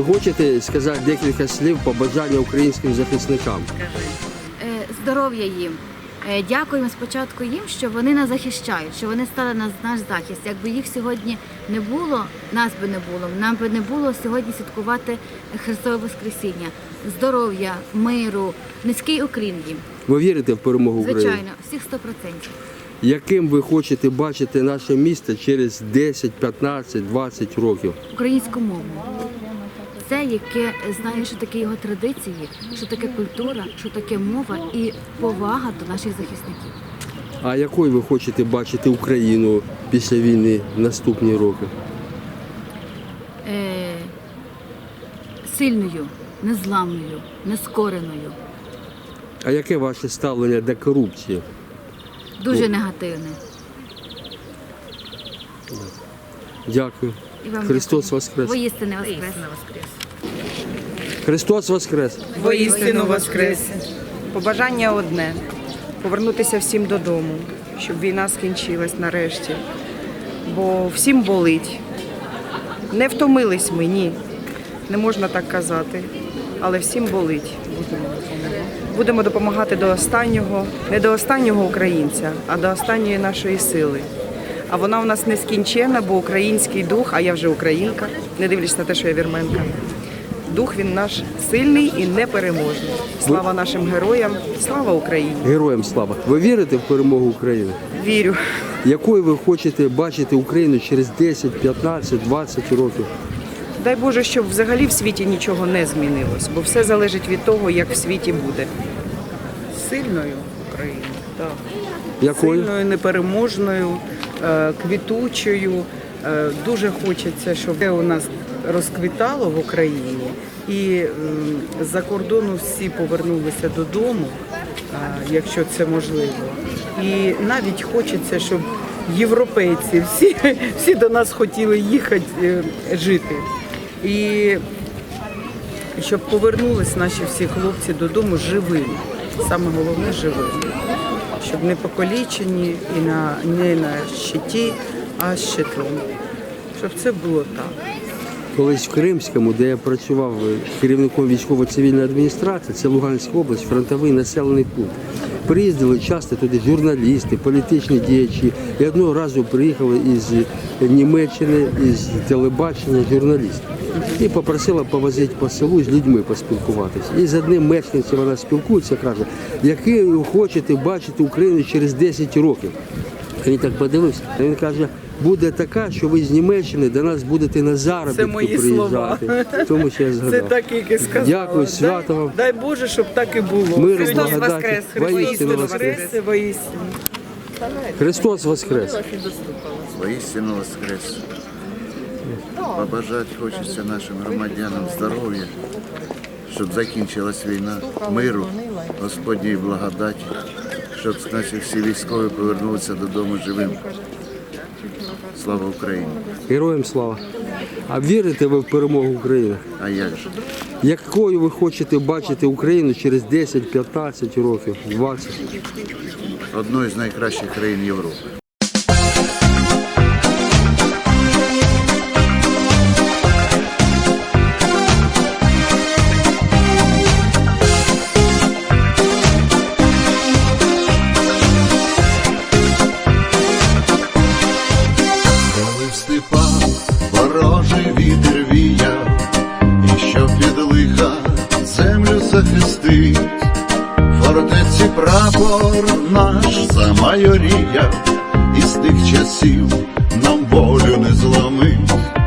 Ви хочете сказати декілька слів побажання українським захисникам? Здоров'я їм. Дякуємо спочатку їм, що вони нас захищають, що вони стали на наш захист. Якби їх сьогодні не було, нас би не було, нам би не було сьогодні святкувати Христове Воскресіння. Здоров'я, миру, низький уклін їм. Ви вірите в перемогу України? Звичайно, всіх 100%. Яким ви хочете бачити наше місто через 10, 15, 20 років? Українську мову. Це, яке знає, що таке його традиції, що таке культура, що таке мова і повага до наших захисників. А якою ви хочете бачити Україну після війни в наступні роки? Сильною, незламною, нескореною. А яке ваше ставлення до корупції? Дуже негативне. Дякую. І вам Христос дякую. Воскрес! Воістини Воскрес! Христос Воскрес! Воістину воскрес! Побажання одне – повернутися всім додому, щоб війна скінчилась нарешті. Бо всім болить. Не втомились ми, ні. Не можна так казати. Але всім болить. Будемо допомагати до останнього, не до останнього українця, а до останньої нашої сили. А вона у нас нескінченна, бо український дух, а я вже українка, не дивлячись на те, що я вірменка. Дух він наш сильний і непереможний. Слава нашим героям, слава Україні! Героям слава! Ви вірите в перемогу України? Вірю. Якою ви хочете бачити Україну через 10, 15, 20 років? Дай Боже, щоб взагалі в світі нічого не змінилось, бо все залежить від того, як в світі буде. Сильною Україною, так. Якою? Сильною, непереможною, квітучою. Дуже хочеться, щоб це у нас розквітало в Україні. І з-за кордону всі повернулися додому, якщо це можливо. І навіть хочеться, щоб європейці всі до нас хотіли їхати жити. І щоб повернулись наші всі хлопці додому живими. Саме головне живими. Щоб не покалічені і не на щиті, а з щитом. Щоб це було так. Колись в Кримському, де я працював керівником військово-цивільної адміністрації, це Луганська область, фронтовий населений пункт. Приїздили часто туди журналісти, політичні діячі. І одного разу приїхали із Німеччини, із телебачення журналісти. І попросила повозити по селу з людьми поспілкуватися. І з одним мешканцем вона спілкується, каже, який ви хочете бачити Україну через 10 років. Він так подивився, а він каже, буде така, що ви з Німеччини до нас будете на заробітки приїжджати. Тому що я згадав. Це так, як і сказала. Дякую, свято вам. Дай Боже, щоб так і було. Миру, Христос благодаті. воскрес! Воістину воскрес! Воістину. Христос воскрес! Воістину воскрес! Побажати хочеться нашим громадянам здоров'я, щоб закінчилась війна, миру, Господньої благодаті, щоб наші всі військові повернулися додому живим. Слава Україні! Героям слава! А вірите ви в перемогу України? А як же? Якою ви хочете бачити Україну через 10, 15 років, 20? Одною з найкращих країн Європи. В степах ворожий вітер віяв, і що під лиха землю захистить, фортеці прапор наш замайоріяв, і з тих часів нам волю не зломить.